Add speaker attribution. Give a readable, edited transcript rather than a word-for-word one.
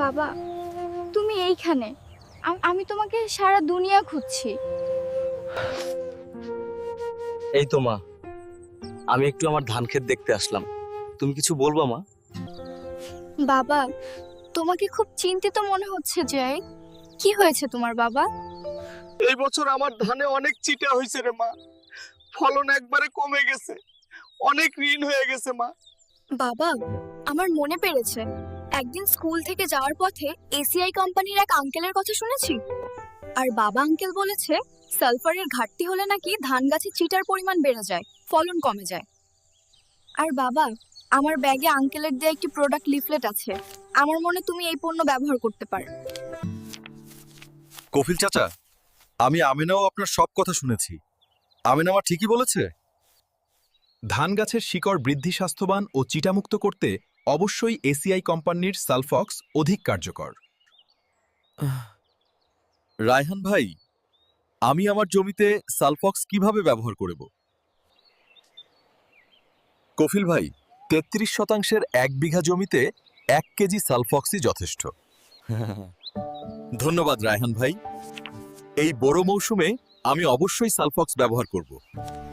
Speaker 1: বাবা, তুমি এইখানে। আমি তোমাকে সারা দুনিয়া খুঁজছি।
Speaker 2: এই তো মা, আমি একটু আমার ধান ক্ষেত দেখতে আসলাম। তুমি কিছু বলবা মা?
Speaker 1: বাবা, তোমাকে খুব চিন্তিত মনে হচ্ছে যে। কি হয়েছে তোমার বাবা?
Speaker 3: এই বছর আমার ধানে অনেক চিটা হয়েছে রে মা। ফলন একবারে কমে গেছে, অনেক ঋণ হয়ে গেছে মা।
Speaker 1: বাবা, আমার মনে পড়েছে, একদিন স্কুল থেকে যাওয়ার পথে এসিআই কোম্পানির এক আঙ্কেলের কথা শুনেছি। আর বাবা আঙ্কেল বলেছে সালফারের ঘাটতি হলে নাকি ধান গাছে চিটার পরিমাণ বেড়ে যায়, ফলন কমে যায়। আর বাবা, আমার ব্যাগে আঙ্কেলের দেয়া একটি প্রোডাক্ট লিফলেট আছে। আমার মনে তুমি এই পণ্য ব্যবহার করতে পারো।
Speaker 4: কফিল চাচা, আমি আমিনাও আপনার সব কথা শুনেছি। আমিনা আমার ঠিকই বলেছে।
Speaker 5: ধান গাছের শিকড় বৃদ্ধি স্বাস্থ্যবান ও চিটামুক্ত করতে অবশ্যই এসিআই কোম্পানির সালফক্স অধিক কার্যকর।
Speaker 4: রায়হান ভাই, আমি আমার জমিতে সালফক্স কিভাবে ব্যবহার করব? কফিল ভাই, 33% 1 বিঘা জমিতে 1 কেজি সালফক্সই যথেষ্ট। ধন্যবাদ রায়হান ভাই। এই বড় মৌসুমে আমি অবশ্যই সালফক্স ব্যবহার করব।